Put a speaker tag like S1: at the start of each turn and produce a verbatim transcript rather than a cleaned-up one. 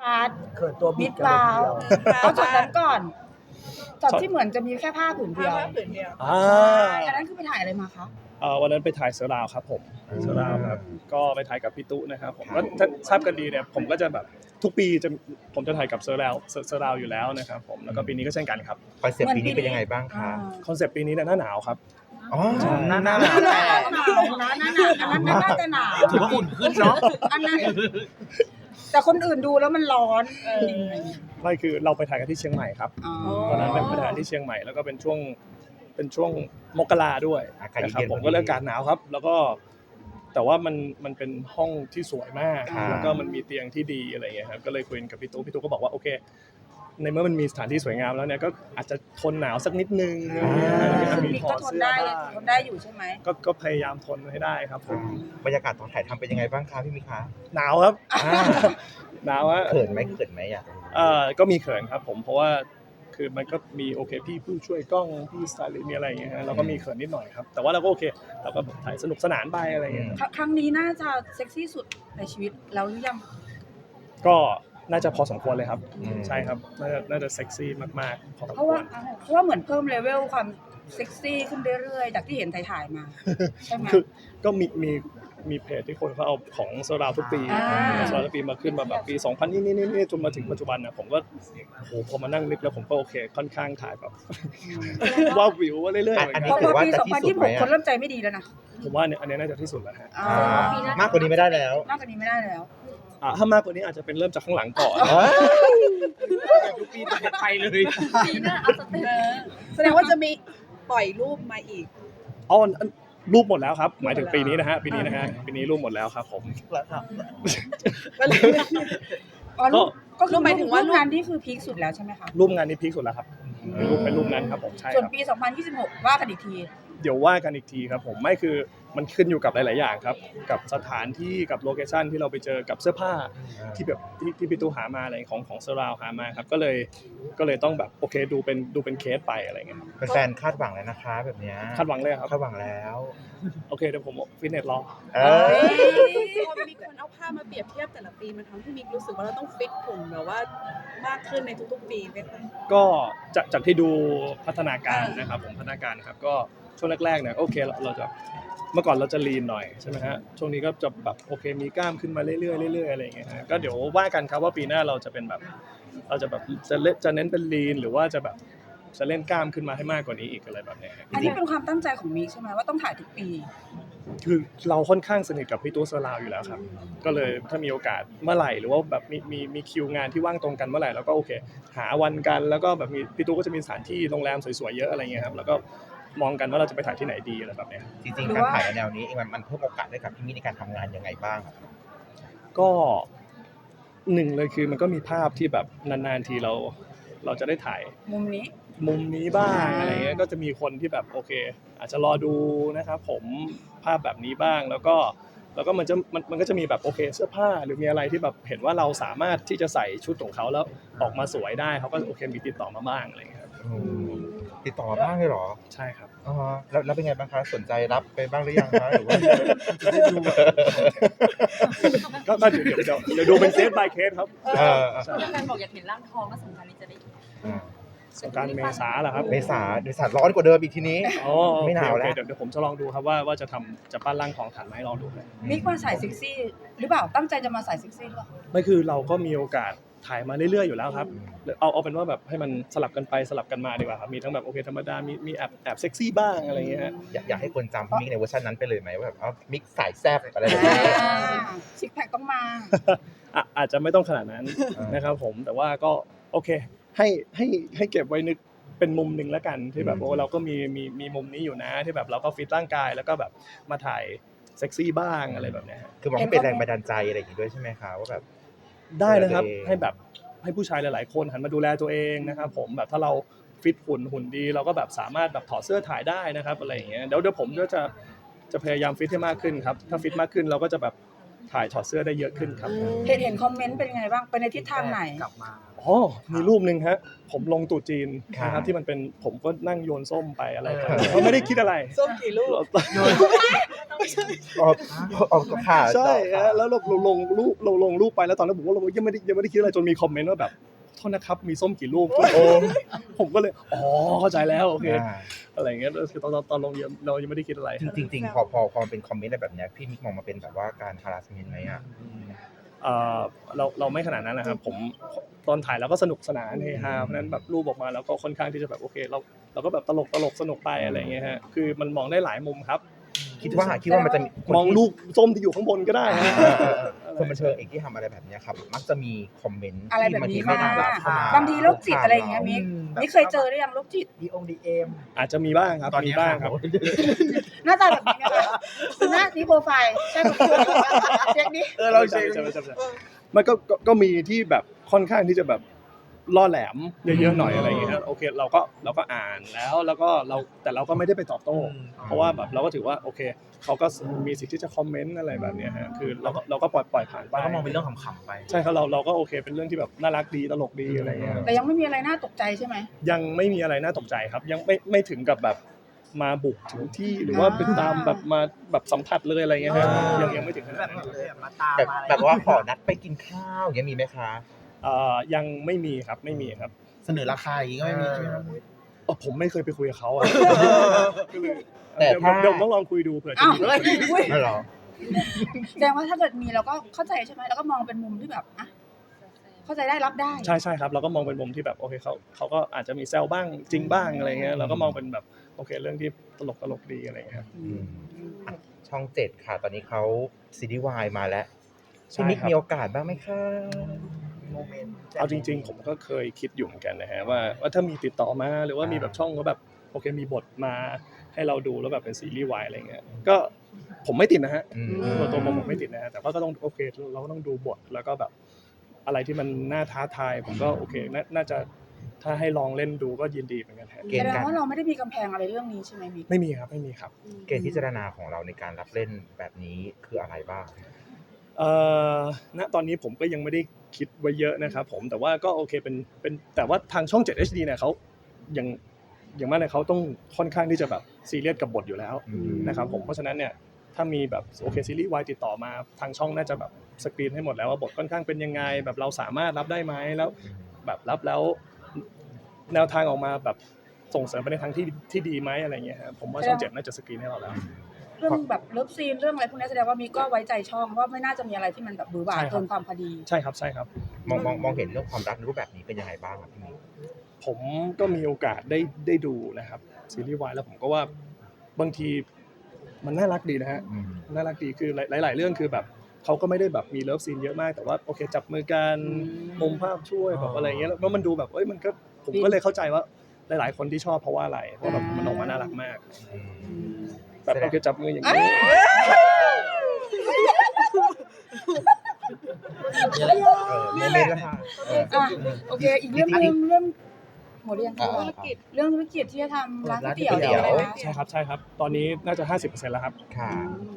S1: าร์ท
S2: เขินตัวบิ
S1: มิ
S2: ด
S1: ด
S2: กันเล
S1: บาย ว
S2: ทีเดียว
S1: เอาช็อตนั้นก่อนช็อตที่เหมือนจะมีแค่ผ้าผืนเดียว
S3: ผ้าผืนเดียว
S4: อ่า
S1: ใช่อันนั้นคือไปถ่ายอะไรมาคะ
S4: เอ่อวันนั้นไปถ่ายเสือดาวครับผมเสือดาวครับก็ไปถ่ายกับพี่ตุ๊นะครับผมก็ถ้าทราบกันดีเนี่ยผมก็จะแบบทุกปีจะผมจะถ่ายกับเสือดาวเสือดาวอยู่แล้วนะครับผมแล้วก็ปีนี้ก็เช่นกันครับ
S5: คอนเซ็ปต์ปีนี้เป็นยังไงบ้างคะ
S4: คอนเซปต์ปีนี้เนี่ยหน้าหนาวครับ
S5: อ๋อ
S4: ใช่
S5: หน้าหนาว
S1: หนาวหนาวนะหนาวอันนั้นน่าจะหนาว
S2: ถือว่าอุ่นขึ้นเนาะ
S1: อันนั้นแต่คนอื่นดูแล้วมันร้อน
S4: ไม่คือเราไปถ่ายกันที่เชียงใหม่ครับ
S1: อ๋อ
S4: ตอนนั้นเป็นไปถ่ายที่เชียงใหม่แล้วก็เป็นช่วงเป็นช่วงมกราด้วย
S5: อากาศ
S4: นะครับ
S5: เย็นๆ
S4: ผมก็เลยอากาศหนาวครับ แล้วก็แต่ว่ามันมันเป็นห้องที่สวยมาก
S5: อ่า
S4: แล้วก็มันมีเตียงที่ดีอะไรเงี้ยครับก็เลยคุยกับพี่ตุ๊กพี่ตุ๊กก็บอกว่าโอเคในเมื่อมันมีสถานที่สวยงามแล้วเนี่ยก็อาจจะทนหนาวสักนิดนึงอะไรเงี้ย
S1: คุณ
S4: มี
S1: มิก
S4: ถอ
S1: ก็
S4: ด
S1: ทน
S4: เสื้อ
S1: ได้
S4: บ้าง
S1: ทนได้อยู่ใช่ไหม
S4: ก็ก็พยายามทนให้ได้ครับผม
S5: บรรยากาศตอนถ่ายทำเป็นยังไงบ้างคะพี่มิคะ
S4: หนาวครับ
S5: อ่า
S4: หนาวฮะ
S5: เขินไหมเขินไหมอยากรู้
S4: เอ่อก็มีเขินครับผมเพราะว่าคือมันก็มีโอเคพี่ผู้ช่วยกล้องพี่สไตลิสต์มีอะไรอย่างเงี้ยฮะเราก็มีเขินนิดหน่อยครับแต่ว่าเราก็โอเคเราก็ถ่ายสนุกสนานไปอะไรอย่างเงี้ย
S1: คครั้งนี้น่าจะเซ็กซี่สุดในชีวิตแล้วหรือยัง
S4: ก็น่าจะพอสมควรเลยครับ
S5: อืม
S4: ใช่ครับน่าจะน่าจะเซ็กซี่มากๆพอสม
S1: เพราะ
S4: คว
S1: ว่าร เพราะว่าเหมือนเพิ่มเลเวลความเซ็กซี่ขึ้นเรื่อยๆจากที่เห็นถ่ายๆมาใช่ไหม
S4: คือก็มีมีมีเพจที่คนเขาเอาของโซดาทุกปี
S1: อ่า
S4: โซดาทุกปีมาขึ้นมาแบบปีสองพันนี่นี่นี่จนมาถึงปัจจุบันนะผมก็โอ้โหพอมานั่งนึกแล้วผมก็โอเคค่อนข้างถ่ายแบบว่าวิวว่าเรื่อยๆเหมือน
S5: อัน
S4: กั
S5: นี้
S1: เพราะ
S4: น
S1: ว่าปี
S5: ถือว่าจะ
S1: สอง
S5: ที่
S1: พัน
S5: สุด
S1: ยี่สิบ
S5: ไห
S1: ห
S5: ม
S1: ก
S5: อะ
S1: คนเริ่มใจไม่ดีแล้วนะ
S4: ผมว่าเนี่ยอันนี้น่าจะที่สุดแล้วฮะ
S1: อ่า
S5: อ่ามากกว่านี้ไม่ได้แล้ว
S1: มากกว่านี้ไม่ได้แล้ว
S4: อ่ะถ้ามากกว่านี้อาจจะเป็นเริ่มจากข้างหลังก่อน
S5: อ๋อ
S2: ทุกปีจะไปเลย
S3: ปีหน้าเอาสเต็ปแสดงว่าจะมีปล่อยรูปมาอีก
S4: อ๋ออันรูปหมดแล้วครับหมายถึงปีนี้นะฮะปีนี้นะฮะปีนี้รูปหมดแล้วครับผม
S1: อ๋อรูปก็คือ
S3: รูปหมายถึงว่ารูป
S1: งานที่คือพีคสุดแล้วใช่ไหมคะ
S4: รูปงานนี้พีคสุดแล้วครับรูปเป็นรูปนั้นครับผมใช่
S1: ส่วน
S4: ครับ
S1: ปี สองพันยี่สิบหก ว่ากันอีกที
S4: เดี๋ยวว่ากันอีกทีครับผมไม่คือมันขึ้นอยู่กับหลาย ๆ อย่างครับกับสถานที่กับโลเคชั่นที่เราไปเจอกับเสื้อผ้าที่แบบที่ที่พี่ตู้หามาอะไรของของเซอร์ราวหามาครับก็เลยก็เลยต้องแบบโอเคดูเป็นดูเป็นเคสไปอะไรเงี้ยครับ
S5: แฟนๆคาดหวังเลยนะคะแบบเนี้ย
S4: คาดหวังเลยครับ
S5: คาดหวังแล้ว
S4: โอเคเดี๋ยวผมฟิตเนสรอ
S5: เอ้ย
S3: พอมีคนเอาภาพมาเปรียบเทียบแต่ละปีมันทำให้มิกรู้สึกว่าเราต้องฟิตหุ่นแบบว่ามากขึ้นในทุกๆปีไหมคะ
S4: ก็จากจากที่ดูพัฒนาการนะครับผมพัฒนาการครับก็ช่วงแรกๆเนี่ยโอเคเราเราจะเมื่อก่อนเราจะลีนหน่อยใช่ไหมฮะช่วงนี้ก็จะแบบโอเคมีกล้ามขึ้นมาเรื่อยๆเรื่อยๆอะไรอย่างเงี้ยฮะก็เดี๋ยวว่ากันครับว่าปีหน้าเราจะเป็นแบบเราจะแบบจะเล่นจะเน้นเป็นลีนหรือว่าจะแบบจะเล่นกล้ามขึ้นมาให้มากกว่านี้อีกอะไรแบบเนี้ยฮะ
S1: อันนี้เป็นความตั้งใจของมิกใช่ไหมว่าต้องถ่ายทุกปี
S4: คือเราค่อนข้างสนิทกับพี่ตู้เซอร์ราวอยู่แล้วครับก็เลยถ้ามีโอกาสเมื่อไหร่หรือว่าแบบมีมีมีคิวงานที่ว่างตรงกันเมื่อไหร่เราก็โอเค หาวันกันแล้วก็แบบมีพี่ตู้ก็จะมีสถานที่โรงแรมสวยๆเยอะอะไรเงี้ยครับแล้วก็มองกันว่าเราจะไปถ่ายที่ไหนดีอะไรแบบเนี้ย
S5: จริงๆการถ่ายแนวนี้เองมันมันเพิ่มโอกาสให้กับพี่มิในการทำงานยังไงบ้างอะ
S4: ก็หนึ่งเลยคือมันก็มีภาพที่แบบนานๆทีเราเราจะได้ถ่าย
S1: มุมนี้
S4: มุมนี้บ้าง
S1: อ่า
S4: อะไรเงี้ยก็จะมีคนที่แบบโอเค อาจจะรอดูนะครับผมภาพแบบนี้บ้างแล้วก็แล้วก็มันจะมันมันก็จะมีแบบโอเคเสื้อผ้าหรือมีอะไรที่แบบเห็นว่าเราสามารถที่จะใส่ชุดของเขาแล้วออกมาสวยได้เขาก็โอเคมีติดต่อมาบ้างอะไรเงี้ยครับ
S5: อืมติดต่อมาบ้างเลยเหรอ
S4: ใช่ครับ
S5: อ๋อแล้วแล้วเป็นไงบ้างคะสนใจรับไปบ้างหรือยังคะหรือว่า
S4: ก็ก็เดี๋ยวเดี๋ยวเดี๋ยวดูเป็นเคส by เคสครับ
S5: เออ
S4: ใช่
S6: แฟนบอกอยากเห็นร่างทองแล้วสงกรานต์นี้จะได้
S5: อ่า
S4: สงกรารเมษาเหรอครับ
S5: เมษาเมษาร้อนกว่าเดิมอีกทีนี้
S4: อ๋อโอเค
S5: ไม่หนาวแล้ว
S4: โอเคเดี๋ยวเดี๋ยวผมจะลองดูครับว่าว่าจะทำจะปั้นร่างทองทันไหมลองดูครับ
S1: มิกมาสายเซ็กซี่ หรือเปล่าตั้งใจจะมาสายเซ็กซี่หรือเปล่า
S4: ไม่คือเราก็มีโอกาสถ่ายมาเรื่อยๆอยู่แล้วครับเอาเอาเป็นว่าแบบให้มันสลับกันไปสลับกันมาดีกว่าครับมีทั้งแบบโอเคธรรมดามีมีแอบแอบเซ็กซี่บ้างอะไรเงี้ยฮะ
S5: อยากอยากให้คนจำพี่มิกในเวอร์ชันนั้นไปเลยไหมว่าแบบอ๋อมิกสายแซ่บอะไรแบบนี้
S1: ซิกแพคต้องมา
S4: อ่ะอาจจะไม่ต้องขนาดนั้น
S5: อ่าน
S4: นะครับผมแต่ว่าก็โอเคให้ให้ให้เก็บไว้นึกเป็นมุมหนึ่งแล้วกันที่แบบ
S5: อืม
S4: โอ้เราก็มีมีมีมุมนี้อยู่นะที่แบบเราก็ฟิตร่างกายแล้วก็แบบมาถ่ายเซ็กซี่บ้างอะไรแบบเนี้ยฮะ
S5: คือมองให้เป็นแรงบันดาลใจอะไรอย่างงี้ด้วยใช่ไหมคะว่าแบบ
S4: ได้นะครับ
S5: ดูแลตัวเอง
S4: ให้แบบให้ผู้ชายหลายๆคนหันมาดูแลตัวเองนะครับผมแบบถ้าเราฟิตหุ่นหุ่นดีเราก็แบบสามารถแบบถอดเสื้อถ่ายได้นะครับอะไรอย่างเงี้ยเดี๋ยวเดี๋ยวผมก็จะจะพยายามฟิตให้มากขึ้นครับถ้าฟิตมากขึ้นเราก็จะแบบถ่ายถอดเสื้อได้เยอะขึ้นครับ
S1: เห็นเห็นคอมเมนต์เป็นยังไงบ้างไปในทิศทางไหน
S2: กลับมา
S4: อ๋อมีรูปหนึ่งฮะผมลงตู่จีน
S5: ครับ
S4: นะครับที่มันเป็นผมก็นั่งโยนส้มไปอะไรไปเขาไม่ได้คิดอะไร
S3: ส้มกี่ลูก
S5: ออกออกค่ะ
S4: ใช่ฮะแล้วเราเราลงรูปเราลงรูปไปแล้วตอนนั้นผมก็ลงยังไม่ได้ยังไม่ได้คิดอะไรจนมีคอมเมนต์ว่าแบบโทษนะครับมีส้มกี่ลูก
S5: โอ้
S4: ผมก็เลยอ๋อเข้าใจแล้วโอเค
S5: อ่า
S4: อะไรอย่างเงี้ยคือตอนตอนตอนลงยังเรายังไม่ได้คิดอะไร
S5: จริงๆจริงๆพอพอพอมันเป็นคอมเมนต์อะไรแบบเนี้ยพี่มิกมองมาเป็นแบบว่าการ harassment ไหมอ่ะ
S4: เอ่อเราเราไม่ขนาดนั้นนะครับผมตอนถ่ายเราก็สนุกสนานเฮฮาเพราะฉะนั้นแบบรูปออกมาแล้วก็ค่อนข้างที่จะแบบโอเคเราเราก็แบบตลกตลกสนุกไปอะไรอย่างเงี้ยฮะคือมันมองได้หลายมุมครับ
S5: คิดว่าคิดว่ามันจะมีคน
S4: มอง
S5: ที่
S4: รูปส้มที่อยู่ข้างบนก็ได้ฮะ
S5: เออเออเออคนบันเทิงเอกที่ทำอะไรแบบเนี้ยครับมักจะมีคอมเมนต์
S1: อะไรแบบนี้
S5: ที่บางทีไม่น่ารักเข้ามา
S1: บางทีโรคจิตอะไรอย่างเงี้ยมิก
S2: อืม
S1: มิกเคยเจอหรือยังโรคจิต
S2: ดีองดีเอ็ม
S4: อาจจะมีบ้างครับ
S2: ตอนนี้
S4: มีบ้างครับ
S1: หน้าตาแบบนี้นะคะหน้านี้โปรไฟล์ใช่ไหมเช็คดิ
S2: เออเราเช็
S4: ใช่
S2: ค
S4: ใช่ใช่ใช่มันก็ก็ก็มีที่แบบค่อนข้างที่จะแบบล่อแหลมเยอะๆหน่อยอะไรอย่างเงี้ยฮะโอเคเราก็เราก็อ่านแล้วแล้วก็เราแต่เราก็ไม่ได้ไปตอบโต้ เพราะว่าแบบเราก็ถือว่าโอเคเขาก็มีสิทธิ์ที่จะคอมเมนต์อะไรแบบเนี้ยฮะคือเราก็เราก็ปล่อยปล่อยผ่านไป
S2: เราก็มองเป็นเรื่องขำๆไป
S4: ใช่ครับเราเราก็โอเคเป็นเรื่องที่แบบน่ารักดีตลกดีอะไรเงี้ย
S1: แต่ยังไม่มีอะไรน่าตกใจใช่ไหม
S4: ยังไม่มีอะไรน่าตกใจครับ ยังไม่ไม่ถึงกับแบบมาบุกถึงที่หรือว่าเป็นตามแบบมาแบบสัมผัสเลยอะไรเงี้ยฮะยังยังไม่ถึงขนาดนั้น
S2: มาตาม
S5: แบบ
S2: มาอะไร
S5: แบบว่าขอนัดไปกินข้าวอย่างเงี้ยมีไหมคะ
S4: เอ่อยังไม่มีครับไม่มีครับ
S2: เสนอราคาอย่างงี้ก็ไม่มีใช่ไหมครับ
S4: เออผมไม่เคยไปคุยกับเขาอ่ะก็เลย
S5: แต่
S4: เดี๋ยว
S5: ถ้า
S4: เดี๋ยวต้องลองคุยดูเผื่อจะ
S1: อ้าว
S4: มี
S1: เฮ้ยอุ้ย
S5: ไม่หรอ
S1: แสดงว่าถ้าเกิดมีเราก็เข้าใจใช่ไหมแล้วก็มองเป็นมุมที่แบบอ่ะเข้าใจได้รับได้
S4: ใช่ใช่ครับเราก็มองเป็นมุมที่แบบโอเคเขาเขาก็อาจจะมีแซวบ้างจริงบ้างอะไรเงี้ยเราก็มองเป็นแบบโอเคเรื่องที่ตลกตลกดีอะไรเงี้ยครับ
S5: อืมอ่ะช่องเจ็ดค่ะ ตอนนี้เขาซีรีส์วายมาแล้ว
S4: ใช่
S5: พี่มิก
S4: ครับ
S5: มีโอกาสบ้างไหมคะ
S2: โมเมนต์
S4: เอาจริง ๆ ผมก็เคยคิดอยู่เหมือนกันนะฮะว่าว่าถ้ามีติดต่อมาหรือว่ามีแบบช่องก็แบบโอเคมีบทมาให้เราดูแล้วแบบเป็นซีรีส์วายอะไรเงี้ยก็ผมไม่ติดนะฮะ
S5: อืม
S4: ตัวตัวผมผมไม่ติดนะฮะแต่ว่าก็ต้องโอเคเราก็ต้องดูบทแล้วก็แบบอะไรที่มันน่าท้าทายผมก็โอเคน่าน่าจะถ้าให้ลองเล่นดูก็ยินดีเหมือนกันฮะ
S5: เกณ
S1: แส
S5: ฑ์
S1: ด
S5: กาง ร
S1: ว่าเราไม่ได้มีกำแพงอะไรเรื่องนี้ใช่ไหมมิก
S4: ไม่มีครับไม่มีครับ
S5: เกณฑ์พิจารณาของเราในการรับเล่นแบบนี้คืออะไรบ้าง
S4: เอ่อณตอนนี้ผมก็ยังไม่ได้คิดไว้เยอะนะครับผมแต่ว่าก็โอเคเป็นเป็นแต่ว่าทางช่อง เจ็ด เอช ดี เนี่ยเขายังอย่างมากเนี่ยเขาต้องค่อนข้างที่จะแบบซีเรียสกับบทอยู่แล้ว
S5: อืม
S4: นะครับผมเพราะฉะนั้นเนี่ยถ้ามีแบบโอเคซีรีส์วายติดต่อมาทางช่องน่าจะแบบสกรีนให้หมดแล้วว่าบทค่อนข้างเป็นยังไงแบบเราสามารถรับได้ไหมแล้วแบบรับแล้วแนวทางออกมาแบบส่งเสริมไปในทางที่ที่ดีไหมอะไรเงี้ยครับผมว่าช่องเจ็ดน่าจะสกรีนให้เราแล้ว
S1: เรื่องแบบเลิฟซีนเรื่องอะไรพวกนี้แสดงว่ามิกก็ไว้ใจช่องว่าไม่น่าจะมีอะไรที่มันแบบบือหวา
S4: ใช่ครับ
S1: เกินความพอดี
S4: ใช่ครับใช่ครับ
S5: มองมองมองเห็นเรื่องความรักในรูปแบบนี้เป็นยังไงบ้างครับพี่มิก
S4: ผมก็มีโอกาสได้ได้ดูนะครับซีรีส์วายแล้วผมก็ว่าบางทีมันน่ารักดีนะฮะ
S5: อืม
S4: น่ารักดีคือหลายหลาย ๆ เรื่องคือแบบเขาก็ไม่ได้แบบมีเลิฟซีนเยอะมากแต่ว่าโอเคจับมือกันมุมภาพช่วยแบบอะไรเงี้ยแล้วมันดูแบบเอ้ยมันก็ผมก็เลยเข้าใจว่าหลาย ๆ คนที่ชอบเพราะว่าอะไรเพราะแบบมันออกมาน่ารักมาก
S5: อืม
S4: แบบโอเคจับมืออย่างนี้
S5: เออโมเมนต์ละค่ะเออ
S1: อ่ะโอเค อีกเรื่องหนึงเรื่องหมดหรือยัง
S5: อ่า
S1: คะ
S3: ธุรกิจ
S1: เรื่องธุรกิจที่จะทำร้านก๋วยเตี๋ยว
S5: ร้านก๋วยเตี๋ยว
S1: อะไรนะ
S4: ใช่ครับใช่ครับตอนนี้น่าจะ ห้าสิบเปอร์เซ็นต์ แล้วครับ
S5: ค่ะ